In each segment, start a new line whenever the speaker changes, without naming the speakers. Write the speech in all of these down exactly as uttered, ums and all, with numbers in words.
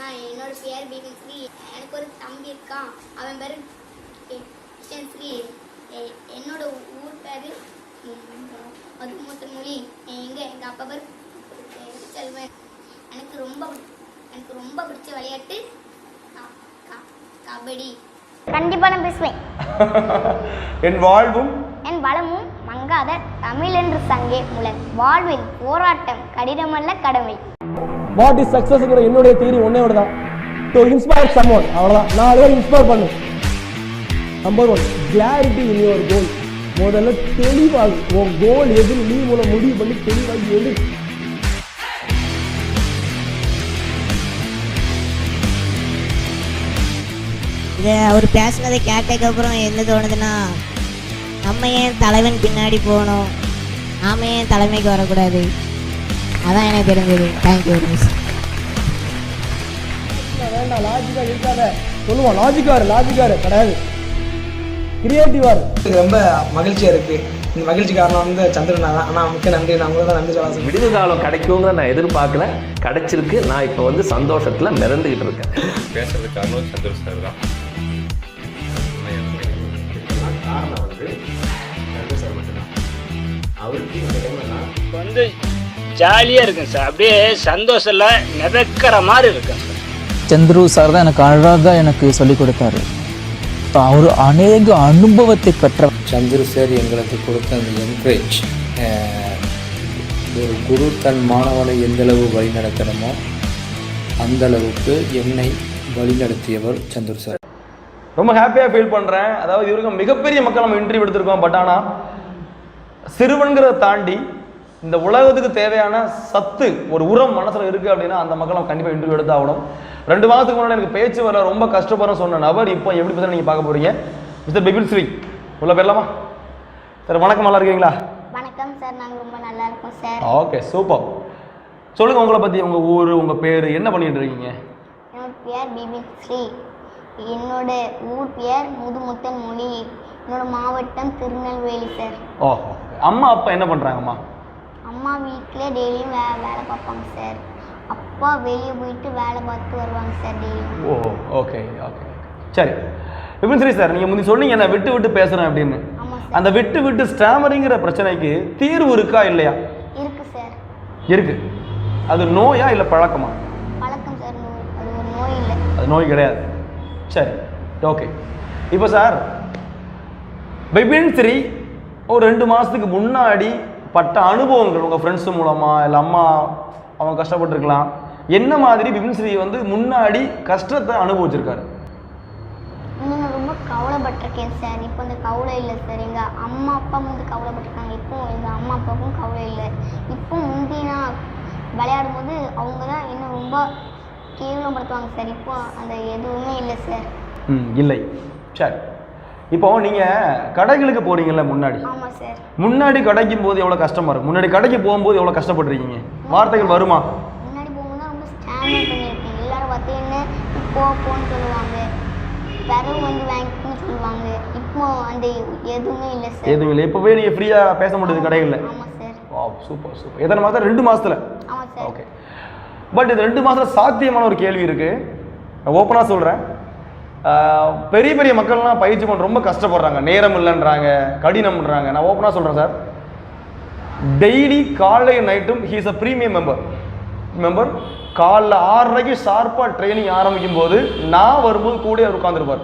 என்னோட பேர் பிபிஸ்ரீ. எனக்கு ஒரு தம்பி இருக்கான், அவன் பேர் கிருஷ்ணன் ஸ்ரீ. என்னோட ஊர் பேர் மதுமூத்த மொழி. எங்க எங்கள் அப்பா பேர் செல்வன். எனக்கு ரொம்ப எனக்கு ரொம்ப பிடிச்ச விளையாட்டு கபடி. கண்டிப்பாக நான் பேசுவேன்.
என் வாழ்வும்
என் வளமும் மங்காத தமிழ் என்று சங்கே முழன். வாழ்வில் போராட்டம் கடினமல்ல கடமை.
வாட் இஸ் சக்சஸ்ங்கிற என்னுடைய தியரி ஒன்னே தான், டு இன்ஸ்பயர் சம்ஒன். அவ்வளோதான், நாலு பேர் இன்ஸ்பயர் பண்ணு. Number one, clarity in your goal. முதல்ல தெளிவாகும், உன் கோல் எதுன்னு நீ மூலம் முடிவு பண்ணி தெளிவாகி எது.
இதை அவர் பேசுனதை கேட்டதுக்கப்புறம் என்ன தோணுதுன்னா, நம்ம ஏன் தலைவன் பின்னாடி போகணும், நாம ஏன் தலைமைக்கு வரக்கூடாது, அதான் எனக்கு தெரிஞ்சது. Thank you miss.
வேண்டாம், லாஜிக்கா இருக்காத சொல்லுவோம். லாஜிக்காரு லாஜிக்காரு கிடையாது, கிரியேட்டிவாரு.
ரொம்ப மகிழ்ச்சியா இருக்கு. இந்த மகிழ்ச்சி காரணம் வந்து சந்திரன் தான். ஆனால் மிக்க நன்றி. நான் உங்களுக்கு தான் நன்றி சொல்ல.
விடுதல் காலம் கிடைக்குங்கிற நான் எதிர்பார்க்கல, கிடைச்சிருக்கு. நான் இப்போ வந்து சந்தோஷத்தில் மிதந்துக்கிட்டு இருக்கேன்.
பேசுறது காரணம் சந்திரன் சார் தான்.
காரணம் வந்து சந்திரன் சார் மட்டும்தான். அவருக்கு இந்த டைம்னா
வந்து ஜாலியாக இருக்குங்க சார். அப்படியே சந்தோஷம்ல மிதக்கிற மாதிரி இருக்குங்க சார்.
சந்துரு சார் தான் எனக்கு அழகாக எனக்கு சொல்லிக் கொடுத்தாரு. அவர் அநேக அனுபவத்தை பெற்ற
சந்துரு சார் எங்களுக்கு கொடுத்த அந்த என்கரேஜ், ஒரு குரு தன் மாணவனை எந்தளவு வழி நடத்தணுமோ அந்த அளவுக்கு என்னை வழிநடத்தியவர் சந்துரு சார்.
ரொம்ப ஹாப்பியாக ஃபீல் பண்ணுறேன். அதாவது இவருக்கு மிகப்பெரிய மக்கள் நம்ம இன்டர்வியூ எடுத்திருக்கோம். பட் ஆனால் சிறுவன்கிறத தாண்டி இந்த உலகத்துக்கு தேவையான சத்து ஒரு உரம் மனசில் இருக்குது அப்படின்னா அந்த மக்கள் நம்ம கண்டிப்பாக இன்டர்வியூ எடுத்து ஆகணும். ரெண்டு மாதத்துக்கு முன்னாடி எனக்கு பேச்சு வர ரொம்ப கஷ்டப்படுறேன் சொன்ன நபர் இப்போ எப்படி பேசுகிற நீங்கள் பார்க்க போகிறீங்க. மிஸ்டர் பிபின்ஸ்ரீ உள்ள பேரலாமா சார்? வணக்கம், நல்லா இருக்கீங்களா?
வணக்கம் சார், நாங்கள் ரொம்ப நல்லா இருக்கோம் சார்.
Okay, super. சொல்லுங்கள் உங்களை பற்றி, உங்கள் ஊர், உங்கள் பேர், என்ன பண்ணிட்டு இருக்கீங்க?
என்னோட பேர் பிபிஸ்ரீ. என்னோட ஊர் பேர் முதுமுத்தன் மொழி. என்னோட மாவட்டம் திருநெல்வேலி சார்.
ஓஹோ, அம்மா அப்பா என்ன பண்ணுறாங்கம்மா?
அம்மா வீட்டில் டெய்லியும் வே வேலை பார்ப்பாங்க சார். அப்பா வெளியே போயிட்டு வேலை பார்த்து வருவாங்க சார் டெய்லியும்.
ஓ, ஓகே ஓகே சரி. பிபின்ஸ்ரீ சார், நீங்கள் முந்தி சொன்னீங்க நான் விட்டு விட்டு பேசுகிறேன் அப்படின்னு. அந்த விட்டு விட்டு ஸ்டாமரிங்கிற பிரச்சனைக்கு தீர்வு இருக்கா இல்லையா?
இருக்கு சார்.
இருக்கு. அது நோயா இல்லை பழக்கமா?
பழக்கம் சார், அது ஒரு நோய் இல்லை.
அது நோய் கிடையாது. சரி, ஓகே. இப்போ சார், பிபின்ஸ்ரீ ஒரு ரெண்டு மாதத்துக்கு முன்னாடி பட்ட அனுபவங்கள் உங்கள் ஃப்ரெண்ட்ஸு மூலமாக இல்லை அம்மா அவங்க கஷ்டப்பட்டுருக்கலாம், என்ன மாதிரி பிபின்ஸ்ரீ வந்து முன்னாடி கஷ்டத்தை அனுபவிச்சிருக்காரு?
நான் ரொம்ப கவலைப்பட்டிருக்கேன் சார். இப்போ இந்த கவலை இல்லை சார். எங்கள் அம்மா அப்பா வந்து கவலைப்பட்டிருக்காங்க. இப்போ எங்கள் அம்மா அப்பாவுக்கும் கவலை இல்லை. இப்போ முந்தி நான் விளையாடும் போது அவங்க தான் இன்னும் ரொம்ப கேவலப்படுத்துவாங்க சார். இப்போ அந்த எதுவுமே இல்லை சார்.
ம், இல்லை. சரி, இப்போ நீங்கள் கடைகளுக்கு போகிறீங்கல்ல முன்னாடி?
ஆமாம் சார்.
முன்னாடி கடைக்கும் போது எவ்வளோ கஷ்டமாக இருக்கும்? முன்னாடி கடைக்கு போகும்போது எவ்வளோ கஷ்டப்பட்டுருக்கீங்க? வார்த்தைகள் வருமா?
முன்னாடி போகும்போது தான் ரொம்ப ஸ்டாண்டர்ட் பண்ணியிருக்கேன். எல்லாரும் பார்த்தீங்கன்னா இப்போ போன்னு சொல்லுவாங்க, பிறகு வந்து வாங்கிக்கணும்னு சொல்லுவாங்க. இப்போ அந்த எதுவுமே இல்லை சார்.
எதுவும் இல்லை. இப்போவே நீங்கள் ஃப்ரீயாக பேச முடியுது கடைகளில்?
ஆமாம் சார்.
வா, சூப்பர் சூப்பர். எத்தனை மாதம்? ரெண்டு மாதத்தில்?
ஆமாம் சார்.
ஓகே. பட் இது ரெண்டு மாதத்தில் சாத்தியமான ஒரு கேள்வி இருக்குது. நான் ஓப்பனாக சொல்கிறேன். பெரிய பெரிய மக்கள்லாம் பயிற்சி பண்ண ரொம்ப கஷ்டப்படுறாங்க, நேரம் இல்லைன்றாங்க, கடினம்ன்றாங்க. நான் ஓப்பனாக சொல்கிறேன் சார், டெய்லி காலை நைட்டும் he's a premium member member காலைல ஆறரைக்கு ஷார்ப்பாக ட்ரைனிங் ஆரம்பிக்கும் போது நான் வரும்போது கூட அவர் உட்காந்துருப்பார்.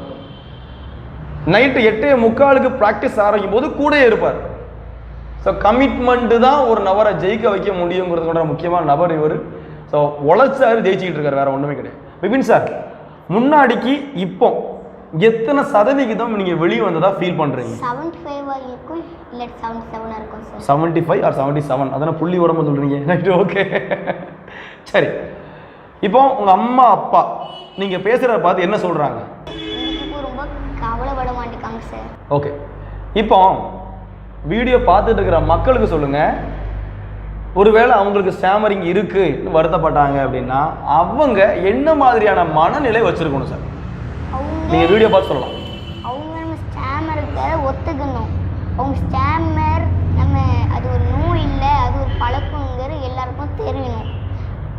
நைட்டு எட்டே முக்காலுக்கு ப்ராக்டிஸ் ஆரம்பிக்கும் போது கூட இருப்பார். ஸோ கமிட்மெண்ட்டு தான் ஒரு நபரை ஜெயிக்க வைக்க முடியுங்கிறது கொண்ட முக்கியமான நபர் இவர். ஸோ உழைச்சாரு, ஜெயிச்சுக்கிட்டு இருக்காரு, வேறு ஒன்றுமே கிடையாது. பிபின் சார், முன்னாடிக்கு இப்போ எத்தனை சதவிகிதம் நீங்கள் வெளியே வந்ததா ஃபீல் பண்ணுறீங்க?
செவன்டி ஃபைவ் இருக்கும் இல்லை செவன்டி செவனாக இருக்கும் சார்.
Seventy five or seventy seven அதனால் புள்ளி உடம்பு சொல்கிறீங்க. Right, okay. சரி, இப்போ உங்கள் அம்மா அப்பா நீங்கள் பேசுகிறத பார்த்து என்ன சொல்கிறாங்க?
இப்போ ரொம்ப கவலைப்பட மாட்டேங்காங்க சார்.
ஓகே, இப்போ வீடியோ பார்த்துட்டு இருக்கிற மக்களுக்கு சொல்லுங்கள், ஒருவேளை அவங்களுக்கு ஸ்டாமரிங் இருக்குது வருத்தப்பட்டாங்க அப்படின்னா அவங்க என்ன மாதிரியான மனநிலை வச்சுருக்கணும் சார்? நீங்கள் வீடியோ பார்த்து சொல்லலாம்.
அவங்க நம்ம ஸ்டாமர் இருக்கிறத ஒத்துக்கணும். அவங்க ஸ்டாமர் நம்ம அது ஒரு நோய் இல்லை, அது ஒரு பழக்கங்கிற எல்லாருக்கும் தெரியணும்.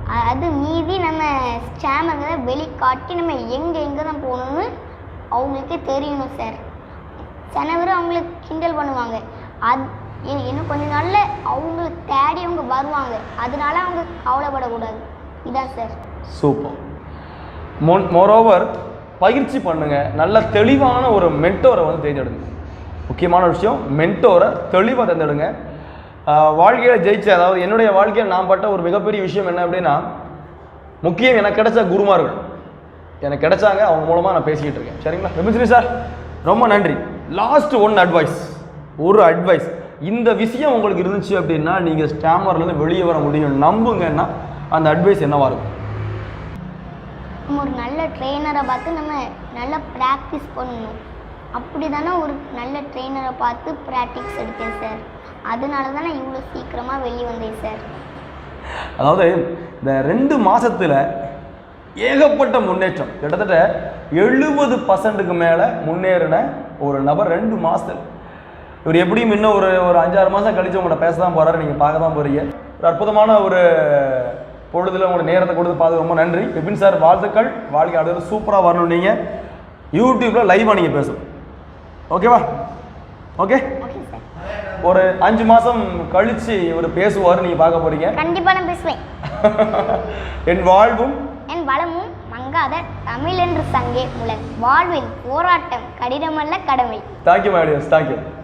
அ- அது மீதி நம்ம ஸ்கேமர்களை வெளிக்காட்டி நம்ம எங்கே எங்கே தான் போகணும்னு அவங்களுக்கே தெரியணும் சார். சில பேர் அவங்களுக்கு கிண்டல் பண்ணுவாங்க. அது இ- இன்னும் கொஞ்ச நாளில் அவங்கள தேடி அவங்க வருவாங்க. அதனால அவங்க கவலைப்படக்கூடாது. இதான் சார்.
சூப்பர். மோன் மோரோவர் பயிற்சி பண்ணுங்க. நல்ல தெளிவான ஒரு மென்டோரை வந்து தேர்ந்தெடுங்க. முக்கியமான விஷயம், மென்டோரை தெளிவாக தேர்ந்தெடுங்க. வாழ்க்கையில் ஜெயிச்ச, அதாவது என்னுடைய வாழ்க்கையில் நான் பட்ட ஒரு மிகப்பெரிய விஷயம் என்ன அப்படின்னா, முக்கியம் எனக்கு கிடைச்ச குருமார்கள் எனக்கு கிடைச்சாங்க. அவங்க மூலமாக நான் பேசிக்கிட்டு இருக்கேன். சரிங்களா விபின் சார், ரொம்ப நன்றி. லாஸ்ட் ஒன் அட்வைஸ், ஒரு அட்வைஸ். இந்த விஷயம் உங்களுக்கு இருந்துச்சு அப்படின்னா நீங்கள் ஸ்டாமர்லேருந்து வெளியே வர முடியும் நம்புங்கன்னா அந்த அட்வைஸ் என்னவா இருக்கும்?
நம்ம ஒரு நல்ல ட்ரெயினரை பார்த்து நம்ம நல்லா ப்ராக்டிஸ் பண்ணணும். அப்படி தானே ஒரு நல்ல ட்ரெயினரை பார்த்து ப்ராக்டிஸ் எடுத்தேன் சார். அதனால தான் நான் இவ்வளோ சீக்கிரமாக வெளியே வந்தேன் சார்.
அதாவது இந்த ரெண்டு மாதத்தில் ஏகப்பட்ட முன்னேற்றம், கிட்டத்தட்ட எழுபது பர்சன்ட்டுக்கு மேலே முன்னேறின ஒரு நபர் ரெண்டு மாதத்தில். இவர் எப்படியும் இன்னும் ஒரு ஒரு அஞ்சாறு மாதம் கழித்து உங்கள்கிட்ட பேச தான் போகிறாரு, நீங்கள் பார்க்க தான் போகிறீங்க. ஒரு அற்புதமான ஒரு பொழுதில் உங்களோட நேரத்தை கொடுத்து பார்த்து ரொம்ப நன்றி விபின் சார். வாழ்த்துக்கள். வாழ்க்கை அடுத்த சூப்பராக வரணும். நீங்கள் யூடியூப்பில் லைவாக நீங்கள் பேசணும். ஓகேவா? ஓகே.
Okay sir.
ஒரு அஞ்சு மாதம் கழித்து இவர் பேசுவார், நீங்கள் பார்க்க போகிறீங்க.
கண்டிப்பாக நான் பேசுவேன்.
என் வாழ்வும்
என் வளமும் மங்காத தமிழ் என்று சங்கே முழங் வாழ்வில் போராட்டம் கடினமல்ல கடமை.
Thank you my dears. தேங்க்யூ.